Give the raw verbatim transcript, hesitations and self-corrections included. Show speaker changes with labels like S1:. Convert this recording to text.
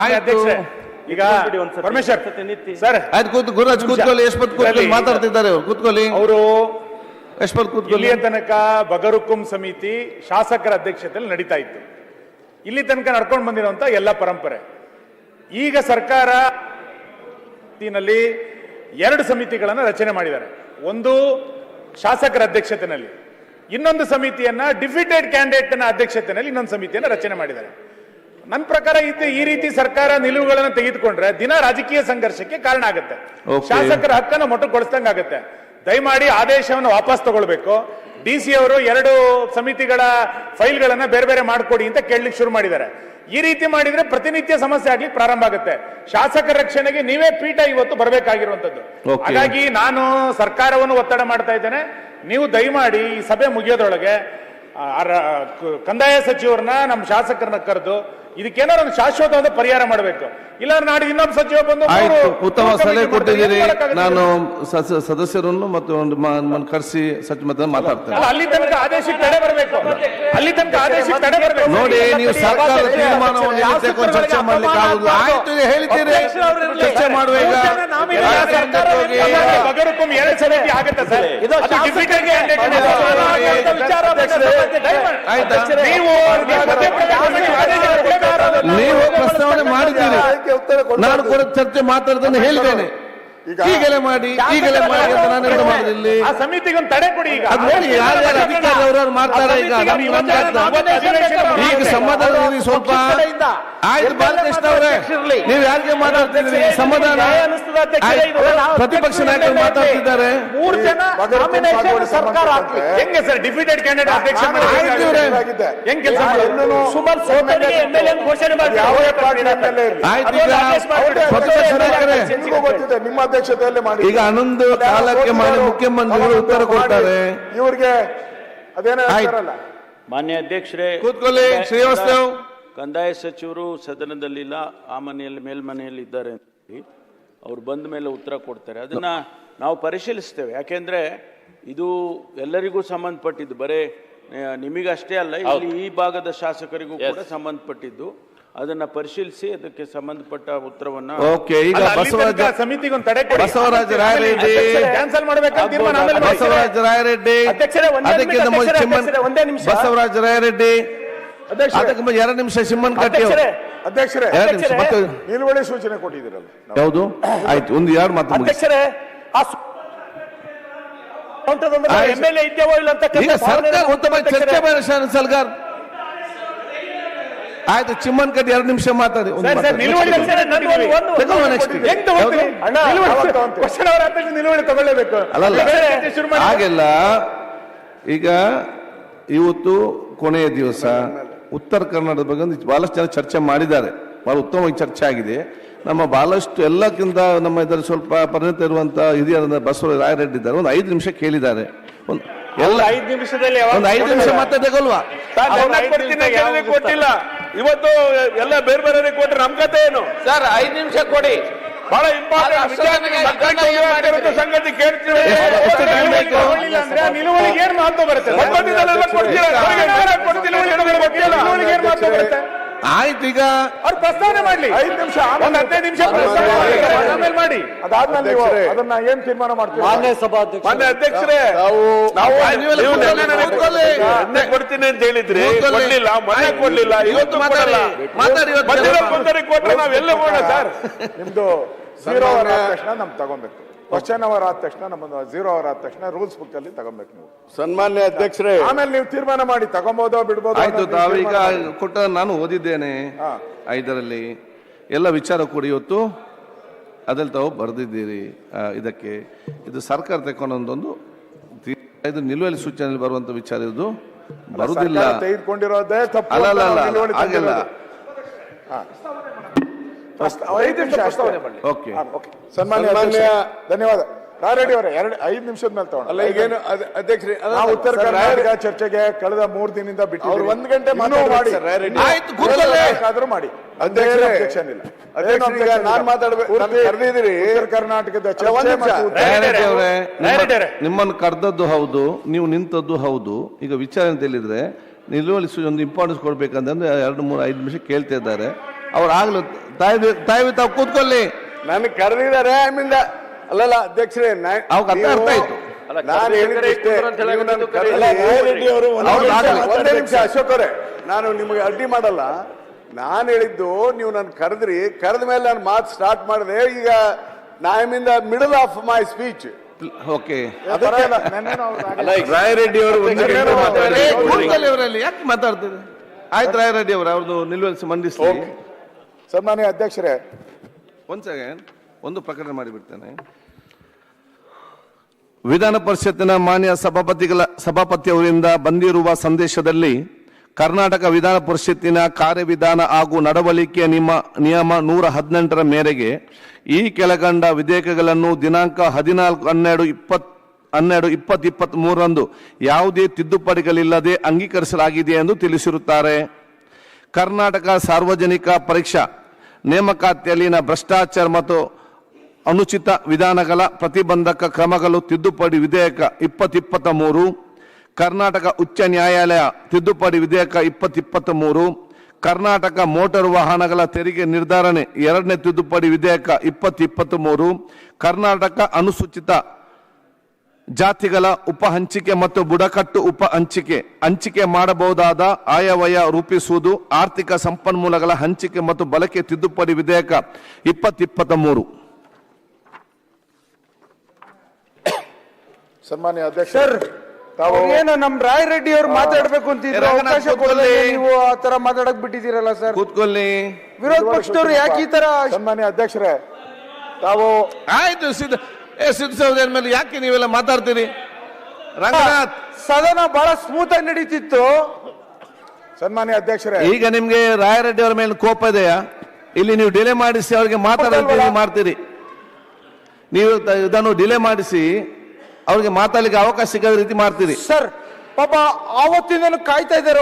S1: ಅಧ್ಯಕ್ಷರೇ, ಈಗ ಪರಮೇಶ್ವರ್ ಸರ್
S2: ಆಯ್ತು ಕೂತು ಗುರುರಾಜ್ ಕೂತ್ಕೊಳ್ಳಿ. ಯಶ್ವಂತ್ ಕೂತ್ಕೊಳ್ಳಿ, ಮಾತಾಡ್ತಿದ್ದಾರೆ ಅವರು. ಕೂತ್ಕೊಳ್ಳಿ
S1: ಅವರು.
S2: ಯಶ್ವಂತ್ ಕೂತ್ಕೊಳ್ಳಿ.
S1: ಇಲ್ಲಿಯ ತನಕ ಬಗರುಕುಂ ಸಮಿತಿ ಶಾಸಕರ ಅಧ್ಯಕ್ಷತೆಯಲ್ಲಿ ನಡೀತಾ ಇತ್ತು. ಇಲ್ಲಿ ತನಕ ನಡ್ಕೊಂಡು ಬಂದಿರುವಂತ ಎಲ್ಲ ಪರಂಪರೆ. ಈಗ ಸರ್ಕಾರ ಎರಡು ಸಮಿತಿಗಳನ್ನು ರಚನೆ ಮಾಡಿದ್ದಾರೆ. ಒಂದು ಶಾಸಕರ ಅಧ್ಯಕ್ಷತೆಯಲ್ಲಿ, ಇನ್ನೊಂದು ಸಮಿತಿಯನ್ನ ಡಿಫಿಟೆಡ್ ಕ್ಯಾಂಡಿಡೇಟ್ ನ ಅಧ್ಯಕ್ಷತೆಯಲ್ಲಿ ಇನ್ನೊಂದು ಸಮಿತಿಯನ್ನ ರಚನೆ ಮಾಡಿದ್ದಾರೆ. ನನ್ನ ಪ್ರಕಾರ ಇದು ಈ ರೀತಿ ಸರ್ಕಾರ ನಿಲುವುಗಳನ್ನು ತೆಗೆದುಕೊಂಡ್ರೆ ದಿನ ರಾಜಕೀಯ ಸಂಘರ್ಷಕ್ಕೆ ಕಾರಣ ಆಗುತ್ತೆ. ಶಾಸಕರ ಹಕ್ಕನ್ನು ಮೊಟಕುಗೊಳಿಸಿದಂಗೆ ಆಗುತ್ತೆ. ದಯಮಾಡಿ ಆದೇಶವನ್ನು ವಾಪಸ್ ತಗೊಳ್ಬೇಕು. ಡಿ ಸಿ ಅವರು ಎರಡು ಸಮಿತಿಗಳ ಫೈಲ್ಗಳನ್ನ ಬೇರೆ ಬೇರೆ ಮಾಡಿಕೊಡಿ ಅಂತ ಕೇಳಲಿಕ್ಕೆ ಶುರು ಮಾಡಿದ್ದಾರೆ. ಈ ರೀತಿ ಮಾಡಿದ್ರೆ ಪ್ರತಿನಿತ್ಯ ಸಮಸ್ಯೆ ಆಗ್ಲಿಕ್ಕೆ ಪ್ರಾರಂಭ ಆಗುತ್ತೆ. ಶಾಸಕರ ರಕ್ಷಣೆಗೆ ನೀವೇ ಪೀಠ ಇವತ್ತು ಬರಬೇಕಾಗಿರುವಂತದ್ದು. ಹಾಗಾಗಿ ನಾನು ಸರ್ಕಾರವನ್ನು ಒತ್ತಡ ಮಾಡ್ತಾ ಇದ್ದೇನೆ. ನೀವು ದಯಮಾಡಿ ಈ ಸಭೆ ಮುಗಿಯೋದ್ರೊಳಗೆ ಕಂದಾಯ ಸಚಿವರನ್ನ ನಮ್ಮ ಶಾಸಕರನ್ನ ಕರೆದು ಇದಕ್ಕೇನಾದ್ರು ಒಂದು ಶಾಶ್ವತವಾದ ಪರಿಹಾರ ಮಾಡಬೇಕು. ಇಲ್ಲ ನಾಳೆ ಇನ್ನೊಬ್ಬ ಸಚಿವ ಬಂದು
S2: ಉತ್ತಮ ಸಲಹೆ ಕೊಟ್ಟಿದ್ದೀರಿ. ನಾನು ಸದಸ್ಯರನ್ನು ಮತ್ತು ಕರೆಸಿ ಸಚಿವ ಮಾತಾಡ್ತೇನೆ.
S1: ಅಲ್ಲಿ ತನಕ ಆದೇಶಕ್ಕೆ ತಡೆ ಬರಬೇಕು. ಅಲ್ಲಿ ತನಕ ಆದೇಶಕ್ಕೆ ತಡೆ ಬರಬೇಕು.
S2: ನೋಡಿ, ನೀವು ಸರ್ಕಾರದ ತೀರ್ಮಾನವನ್ನು ಚರ್ಚೆ ಮಾಡ್ಲಿಕ್ಕೆ ಆಗುದಿಲ್ಲ. ಆಯ್ತು, ಹೇಳ್ತೀರಿ, ಚರ್ಚೆ ಮಾಡುವ.
S1: ಬಗರುಕುಂ ಎರಡು ಸಮಿತಿ ಆಗುತ್ತೆ ಸರ್.
S2: ನೀವು ಪ್ರಸ್ತಾವನೆ ಮಾಡಿದ್ದೀರಿ, ನಾನು ಕೂಡ ಚರ್ಚೆ ಮಾತಾಡೋದನ್ನು ಹೇಳಿದ್ದೇನೆ. ಈಗಲೇ ಮಾಡಿ ಈಗಲೇ ಮಾಡಿ ಅಂತ ನಾನು ಏನು ಮಾಡಿದಲ್ಲಿ
S1: ಆ ಸಮಿತಿಗೆ ಒಂದು ತಡೆ ಕೊಡಿ. ಈಗ
S2: ಅದು ನೋಡಿ, ಯಾರ್ಯಾರು ಅಧಿಕಾರಿ ಅವರವ್ರು ಮಾಡ್ತಾರೆ. ಈಗ ಈಗ ಸಮಾಧಾನ ಇರಿ ಸ್ವಲ್ಪ. ಆಯ್ತು ಬಾಲಕೃಷ್ಣ ಅವರೇ, ನೀವು ಯಾರಿಗೆ ಮಾತಾಡ್ತಿದ್ದೀರಿ? ಸಮಾಧಾನ. ಪ್ರತಿಪಕ್ಷ ನಾಯಕರು ಮಾತಾಡ್ತಿದ್ದಾರೆ.
S1: ಮೂರು ಜನ ಸರ್ಕಾರ ಹೆಂಗೆ ಸರ್ ಡಿಫಿಟೆಡ್ ಕ್ಯಾಂಡಿಡೇಟ್ ಅಧ್ಯಕ್ಷ ಹೆಂಗ್ ಕೆಲಸ ಸುಮಾರು ಘೋಷಣೆ ಮಾಡಿ.
S2: ಆಯ್ತು, ಈಗ ಪ್ರತಿಪಕ್ಷ ನಾಯಕರೇ
S3: ನಿಮ್ಮ ಅಧ್ಯಕ್ಷತೆಯಲ್ಲಿ ಮಾಡಿ.
S2: ಈಗ ಹನ್ನೊಂದು ಕಾಲಕ್ಕೆ ಮಾಡಿ ಮುಖ್ಯಮಂತ್ರಿಗಳು ಉತ್ತರ ಕೊಡ್ತಾರೆ.
S3: ಇವ್ರಿಗೆ ಅದೇನೋ
S4: ಮಾನ್ಯ ಅಧ್ಯಕ್ಷರೇ
S2: ಕೂತ್ಕೊಳ್ಳಿ. ಶ್ರೀವಾಸ್ತವ್,
S4: ಕಂದಾಯ ಸಚಿವರು ಸದನದಲ್ಲಿಲ್ಲ, ಆ ಮನೆಯಲ್ಲಿ ಮೇಲ್ಮನೆಯಲ್ಲಿ ಇದ್ದಾರೆ. ಅವ್ರು ಬಂದ ಮೇಲೆ ಉತ್ತರ ಕೊಡ್ತಾರೆ. ಅದನ್ನ ನಾವು ಪರಿಶೀಲಿಸ್ತೇವೆ. ಯಾಕೆಂದ್ರೆ ಇದು ಎಲ್ಲರಿಗೂ ಸಂಬಂಧಪಟ್ಟಿದ್ದು, ಬರೇ ನಿಮಗಷ್ಟೇ ಅಲ್ಲ, ಇಲ್ಲಿ ಈ ಭಾಗದ ಶಾಸಕರಿಗೂ ಕೂಡ ಸಂಬಂಧಪಟ್ಟಿದ್ದು. ಅದನ್ನ ಪರಿಶೀಲಿಸಿ ಅದಕ್ಕೆ ಸಂಬಂಧಪಟ್ಟ ಉತ್ತರವನ್ನ.
S2: ಓಕೆ, ಈಗ ಬಸವರಾಜ
S1: ಸಮಿತಿಗೆ ಒಂದು ತಡೆ ಕೊಡಿ.
S2: ಬಸವರಾಜ ರಾಯರೆಡ್ಡಿ
S1: ಕ್ಯಾನ್ಸಲ್ ಮಾಡಬೇಕಂತ ತೀರ್ಮಾನ ಆಮೇಲೆ ಮಾಡಿ.
S2: ಬಸವರಾಜ ರಾಯರೆಡ್ಡಿ ಅದಕ್ಕೆ
S1: ಒಂದೇ ನಿಮಿಷ.
S2: ಬಸವರಾಜ ರಾಯರೆಡ್ಡಿ ಅದಕ್ಕೆ ಎರಡು ನಿಮಿಷ. ಸಿಮ್ಮನ್ ಕಟ್ಟಿ
S3: ಅಧ್ಯಕ್ಷರೇ
S2: ಎರಡು ನಿಮಿಷ. ಮತ್ತೆ
S3: ನಿಲುವಳಿ ಸೂಚನೆ ಕೊಟ್ಟಿದ್ದೀರಲ್ಲ,
S2: ಯಾವುದು? ಆಯ್ತು, ಒಂದು ಎರಡು ಮಾತು
S1: ಅಧ್ಯಕ್ಷರೇ. ಎಂಎಲ್ಎ ಇದ್ದೇವೋ ಇಲ್ಲ ಅಂತ
S2: ಈಗ ಸರ್ಕಾರ ಉತ್ತಮ ಚರ್ಚೆ ಮಾಡಿ. ಸಲ್ಗಾರ್ ಆಯ್ತು, ಚಿಮ್ಮನ್ ಕಟ್ಟಿ ಎರಡು ನಿಮಿಷ ಮಾತಾಡಿ.
S1: ನಿಲುವಳಿ ತಗೊಳ್ಳೇಬೇಕು.
S2: ಹಾಗೆಲ್ಲ ಈಗ ಇವತ್ತು ಕೊನೆಯ ದಿವಸ ಉತ್ತರ ಕನ್ನಡದ ಬಗ್ಗೆ ಒಂದು ಬಹಳಷ್ಟು ಜನ ಚರ್ಚೆ ಮಾಡಿದ್ದಾರೆ. ಬಹಳ ಉತ್ತಮವಾಗಿ ಚರ್ಚೆ ಆಗಿದೆ. ನಮ್ಮ ಬಹಳಷ್ಟು ಎಲ್ಲಕ್ಕಿಂತ ನಮ್ಮ ಇದರಲ್ಲಿ ಸ್ವಲ್ಪ ಪರಿಣಿತ ಇರುವಂತ ಹಿರಿಯರ ಬಸವರಾಜ ರಾಯರೆಡ್ಡಿ ಇದ್ದಾರೆ. ಒಂದು ಐದು ನಿಮಿಷ ಕೇಳಿದ್ದಾರೆ. ಒಂದು ಎಲ್ಲ
S1: ಐದು ನಿಮಿಷದಲ್ಲಿ
S2: ಒಂದು ಐದು ನಿಮಿಷ ಮತ್ತೆ ತಗೊಳ್ವಾ?
S1: ಕೊಟ್ಟಿಲ್ಲ. ಇವತ್ತು ಎಲ್ಲ ಬೇರೆ ಬೇರೆ ಕೊಟ್ಟರೆ ನಮ್ ಕತೆ ಏನು
S5: ಸರ್? ಐದು ನಿಮಿಷ ಕೊಡಿ.
S1: ಬಹಳ ಇಂಪಾರ್ಟೆಂಟ್ ಸಂಗತಿ ಕೇಳ್ತೀವಿ. ನಿಲುವಳಿಗೆ ಏನ್ ಮಹತ್ವ ಬರುತ್ತೆ?
S2: ಆಯ್ತು, ಈಗ
S1: ಅವ್ರು ಪ್ರಸ್ತಾವನೆ ಮಾಡ್ಲಿ. ಐದು ನಿಮಿಷ ಒಂದು ಹದಿನೈದು ನಿಮಿಷ ಆಮೇಲೆ ಮಾಡಿ.
S3: ಅದಾದ್ಮೇಲೆ ನೀವು ಅದನ್ನ ಏನ್ ತೀರ್ಮಾನ ಮಾಡ್ತೀವಿ?
S5: ಮಾನ್ಯ ಸಭಾಧ್ಯಕ್ಷ
S1: ಮಾನ್ಯ ಅಧ್ಯಕ್ಷರೇ, ಕೊಡ್ತೀನಿ ಅಂತ ಹೇಳಿದ್ರಿ, ಕೊಡ್ಲಿಲ್ಲ. ಮನೆ ಕೊಡ್ಲಿಲ್ಲ, ಇವತ್ತು ಕೊಡಲ್ಲ.
S2: ಮಾತಾಡಿ
S1: ಕೊಟ್ರೆ ನಾವೆಲ್ಲ ಹೋಗೋಣ ಸರ್.
S3: ನಿಮ್ದು ಝೀರೋ ಅವರ್ ಆದ ತಕ್ಷಣ ನಮ್ಗೆ ತಗೊಬೇಕು. ಕ್ವಶನ್ ಅವರ್ ಆದ ತಕ್ಷಣ ನಮ್ಮದು ಝೀರೋ ಅವರ್ ಆದ ತಕ್ಷಣ ರೂಲ್ಸ್ ಬುಕ್ ಅಲ್ಲಿ ತಗೊಬೇಕು ನೀವು.
S1: ಸನ್ಮಾನ್ಯ ಅಧ್ಯಕ್ಷರೇ,
S3: ಆಮೇಲೆ ನೀವು ತೀರ್ಮಾನ ಮಾಡಿ ತಗೊಬೋದೋ ಬಿಡ್ಬೋದೋ.
S2: ಆಯ್ತು, ತಾವೀಗ ಕೊಟ್ಟ ನಾನು ಓದಿದ್ದೇನೆ. ಐದರಲ್ಲಿ ಎಲ್ಲ ವಿಚಾರ ಕೂಡ ಇವತ್ತು ಅದ್ರಲ್ಲಿ ತಾವು ಬರೆದಿದ್ದೀರಿ. ಇದಕ್ಕೆ ಇದು ಸರ್ಕಾರ ತಗೊಂಡೊಂದೊಂದು ಇದು ನಿಲುವಳಿ ಸೂಚನೆಯಲ್ಲಿ ಬರುವಂತ ವಿಚಾರ ಇದು ಬರುವುದಿಲ್ಲ.
S3: ತೆಗೆದುಕೊಂಡಿರೋದೇ ತಪ್ಪು.
S2: ಅಲ್ಲ ಅಲ್ಲ ಅಲ್ಲ ಹಾಗೆಲ್ಲ. ಓಕೆ,
S3: ಸನ್ಮಾನ್ಯ ಧನ್ಯವಾದ. ರಾಯರೆಡ್ಡಿ ಅವರೇ, ಎರಡು ಐದು ನಿಮಿಷದ ಮೇಲೆ ತಗೊಂಡು
S1: ಅಲ್ಲ ಈಗೇನು ಅಧ್ಯಕ್ಷರೇ,
S3: ಉತ್ತರ ಕರ್ನಾಟಕ ಚರ್ಚೆಗೆ ಕಳೆದ ಮೂರು ದಿನದಿಂದ ಬಿಟ್ಟು ಒಂದ್ ಗಂಟೆ ಮಾಡಿ ಆದ್ರೂ ಮಾಡಿ. ಅಬ್ಜೆಕ್ಷನ್ ಇಲ್ಲ.
S1: ನಾನು ಮಾತಾಡ್ಬೇಕು.
S3: ಉತ್ತರ ಕರ್ನಾಟಕದ
S2: ನಿಮ್ಮನ್ನು ಕರೆದದ್ದು ಹೌದು, ನೀವು ನಿಂತದ್ದು ಹೌದು. ಈಗ ವಿಚಾರ ಅಂತ ಹೇಳಿದ್ರೆ ನಿಲುವಳಿ ಒಂದು ಇಂಪಾರ್ಟೆನ್ಸ್ ಕೊಡ್ಬೇಕಂತಂದ್ರೆ ಎರಡು ಮೂರು ಐದು ನಿಮಿಷ ಕೇಳ್ತಾ ಇದ್ದಾರೆ. ಅವ್ರು ಆಗ್ಲು ತಾಯಿ ತಾಯಿ ತಾವು ಕೂತ್ಕೊಳ್ಳಿ.
S3: ನನ್ ಕರೆದಿದ್ದಾರೆ ಆಮೇಲೆ ಅಲ್ಲಲ್ಲ ಅಧ್ಯಕ್ಷರೇ ನಾ-
S2: ಅವ್ಕ್ ಅರ್ಥ
S3: ನೀವು-
S2: ಅರ್ಥ ಆಯ್ತು.
S3: ನಾನು ಹೇಳಿದ್ದಷ್ಟೇ. ನೀವು ನನ್ನ ಕರೆ-
S1: ಅಲ್ಲ, ರೆಡ್ಡಿ ಅವರು ಒಂದು
S2: ಅವ್ರು
S1: ನಿಮಿಷ
S2: ಆಗಲಿ.
S1: ಮಾತಾಡ್ಬೇಕು.
S3: ಒಂದೇ ನಿಮಿಷ ಅಶೋಕ್ ಅವರೇ, ನಾನು ನಿಮಗೆ ಅಡ್ಡಿ ಮಾಡಲ್ಲ. ನಾನು ಹೇಳಿದ್ದು ನೀವು ನನ್ನ ಕರೆದ್ರಿ, ಕರೆದ ಮೇಲೆ ನಾನು ಮಾತು ಸ್ಟಾರ್ಟ್ ಮಾಡಿದೆ. ಈಗ ನಾ in the middle of my speech.
S2: Okay
S1: ಅದಕ್ಕೆ ಅಲ್ಲ, ನೆನ್ನೆನೂ ಅವ್ರು ಹಾಗೆ-
S5: ರಾಯರೆಡ್ಡಿ ಅವರು ಒಂದು ಗಂಟೆ ಮಾತಾಡಿ.
S2: ಕೂತ್ಕೊಳ್ಳಿ ಅವರಲ್ಲಿ ಯಾಕೆ ಮಾತಾಡ್ತೀರಿ? ಆಯ್ತು ರಾಯರೆಡ್ಡಿ ಅವರು ಅವ್ರದ್ದು ನಿಲುವಳಿಸಿ ಮಂಡಿಸಿ.
S3: ಸನ್ಮಾನ್ಯ ಅಧ್ಯಕ್ಷರೇ,
S2: ಒಂದ್ ಸೆಕೆಂಡ್ ಒಂದು ಪ್ರಕಟಣೆ ಮಾಡಿಬಿಡ್ತೇನೆ. ವಿಧಾನ ಪರಿಷತ್ತಿನ ಮಾನ್ಯ ಸಭಾಪತಿಗಳ ಸಭಾಪತಿಯವರಿಂದ ಬಂದಿರುವ ಸಂದೇಶದಲ್ಲಿ ಕರ್ನಾಟಕ ವಿಧಾನ ಪರಿಷತ್ತಿನ ಕಾರ್ಯವಿಧಾನ ಹಾಗೂ ನಡವಳಿಕೆಯ ನಿಮ್ಮ ನಿಯಮ ನೂರ ಹದಿನೆಂಟರ ಮೇರೆಗೆ ಈ ಕೆಳಗಂಡ ವಿಧೇಯಕಗಳನ್ನು ದಿನಾಂಕ ಹದಿನಾಲ್ಕು ಹನ್ನೆರಡು ಇಪ್ಪತ್ ಹನ್ನೆರಡು ಇಪ್ಪತ್ತು ಇಪ್ಪತ್ತ್ ಮೂರರಂದು ಯಾವುದೇ ತಿದ್ದುಪಡಿಗಳಿಲ್ಲದೆ ಅಂಗೀಕರಿಸಲಾಗಿದೆ ಎಂದು ತಿಳಿಸಿರುತ್ತಾರೆ. ಕರ್ನಾಟಕ ಸಾರ್ವಜನಿಕ ಪರೀಕ್ಷಾ ನೇಮಕಾತಿಯಲ್ಲಿನ ಭ್ರಷ್ಟಾಚಾರ ಮತ್ತು ಅನುಚಿತ ವಿಧಾನಗಳ ಪ್ರತಿಬಂಧಕ ಕ್ರಮಗಳು ತಿದ್ದುಪಡಿ ವಿಧೇಯಕ ಇಪ್ಪತ್ತು ಇಪ್ಪತ್ತ ಮೂರು, ಕರ್ನಾಟಕ ಉಚ್ಚ ನ್ಯಾಯಾಲಯ ತಿದ್ದುಪಡಿ ವಿಧೇಯಕ ಇಪ್ಪತ್ತು ಇಪ್ಪತ್ತ ಮೂರು, ಕರ್ನಾಟಕ ಮೋಟಾರು ವಾಹನಗಳ ತೆರಿಗೆ ನಿರ್ಧಾರಣೆ ಎರಡನೇ ತಿದ್ದುಪಡಿ ವಿಧೇಯಕ ಇಪ್ಪತ್ತು ಇಪ್ಪತ್ತ ಮೂರು, ಕರ್ನಾಟಕ ಅನುಸೂಚಿತ ಜಾತಿಗಳ ಉಪ ಹಂಚಿಕೆ ಮತ್ತು ಬುಡಕಟ್ಟು ಉಪ ಹಂಚಿಕೆ ಹಂಚಿಕೆ ಮಾಡಬಹುದಾದ ಆಯವ್ಯಯ ರೂಪಿಸುವುದು, ಆರ್ಥಿಕ ಸಂಪನ್ಮೂಲಗಳ ಹಂಚಿಕೆ ಮತ್ತು ಬಳಕೆ ತಿದ್ದುಪಡಿ ವಿಧೇಯಕ ಇಪ್ಪತ್ತು ಇಪ್ಪತ್ತ ಮೂರು.
S3: ಸನ್ಮಾನ್ಯ ಅಧ್ಯಕ್ಷ,
S6: ಸರ್
S3: ತಾವು
S6: ಏನು ನಮ್ ರಾಯ್ ರೆಡ್ಡಿ ಅವ್ರು ಮಾತಾಡ್ಬೇಕು ಅಂತಿದ್ರು,
S2: ರಂಗನಾಥ್
S6: ಅವಕಾಶ ಕೊಡದೆ
S2: ಕೂತ್ಕೊಳ್ಳಿ.
S6: ನೀವು ಆ ತರ ಮಾತಾಡಕ್ ಬಿಟ್ಟಿದ್ದೀರಲ್ಲ ಸರ್.
S2: ಕೂತ್ಕೊಳ್ಳಿ.
S6: ವಿರೋಧ ಪಕ್ಷದವ್ರು ಯಾಕೆ ಈ ತರ
S3: ಸನ್ಮಾನ್ಯ ಅಧ್ಯಕ್ಷರೇ, ತಾವು
S2: ಆಯ್ತು ಸಿದ್ಧ ಏ ಸಿದ್ಧ ಸಹೋದರ ಮೇಲೆ ಯಾಕೆ ನೀವೆಲ್ಲ ಮಾತಾಡ್ತೀರಿ? ರಂಗನಾಥ್,
S6: ಸದನ ಬಹಳ ಸ್ಮೂತ್ ಆಗಿ ನಡೀತಿತ್ತು.
S3: ಸನ್ಮಾನ್ಯ ಅಧ್ಯಕ್ಷರೇ,
S2: ಈಗ ನಿಮ್ಗೆ ರಾಯರೆಡ್ಡಿ ಅವರ ಮೇಲೆ ಕೋಪ ಇದೆಯಾ? ಇಲ್ಲಿ ನೀವು ಡಿಲೇ ಮಾಡಿಸಿ ಅವ್ರಿಗೆ ಮಾತಾಡೋದು ಮಾಡ್ತೀರಿ. ನೀವು ತ- ಇದನ್ನು ಡಿಲೇ ಮಾಡಿಸಿ ಅವ್ರಿಗೆ ಮಾತಾಡ್ಲಿಕ್ಕೆ ಅವಕಾಶ ಸಿಗದ ರೀತಿ ಮಾಡ್ತೀರಿ.
S6: ಸರ್ ಪಾಪ ಆವತ್ತಿಂದನೂ ಕಾಯ್ತಾ ಇದ್ದಾರೆ.